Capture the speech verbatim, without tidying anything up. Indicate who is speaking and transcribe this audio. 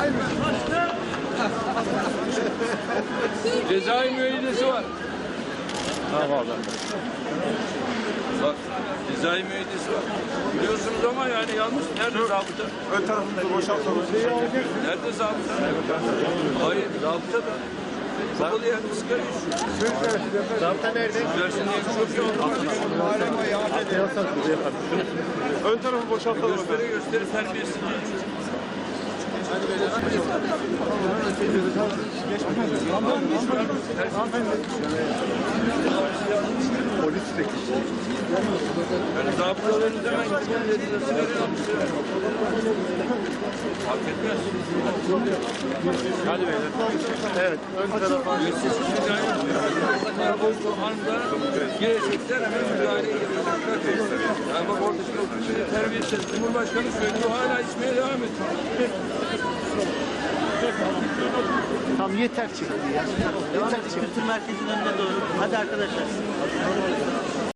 Speaker 1: Cezai müeyyidesi var.
Speaker 2: Tamam abi.
Speaker 1: Bak, cezai müeyyidesi var. Biliyorsunuz ama yani yanlış. Nerede zabıta?
Speaker 2: Ön tarafımızı boşaltalım.
Speaker 1: Nerede zabıta? Hayır, zabıta da. Kapalı yerde sigara içiyor.
Speaker 2: Zabıta nerede?
Speaker 1: Dersin diye bir şey yok.
Speaker 2: Ön tarafı boşaltalım.
Speaker 1: Gösteri gösteri terbiyesiz.
Speaker 2: Polis de
Speaker 1: Yani zabıtalarınız hemen gitsin dediler. Sigara almışlar. Fark etmez.
Speaker 2: Hadi beyler. Evet. Ön tarafa.
Speaker 1: Bu anda gelecekler hemen müdahaleye girecekler. Yani bak orada şimdi oturuyor terbiyesiz. Cumhurbaşkanı söylüyor hala içmeye devam ediyor.
Speaker 3: Tam yeter çıktı ya. Yeter çıktı.
Speaker 4: Kültür merkezinin önüne doğru. Hadi arkadaşlar.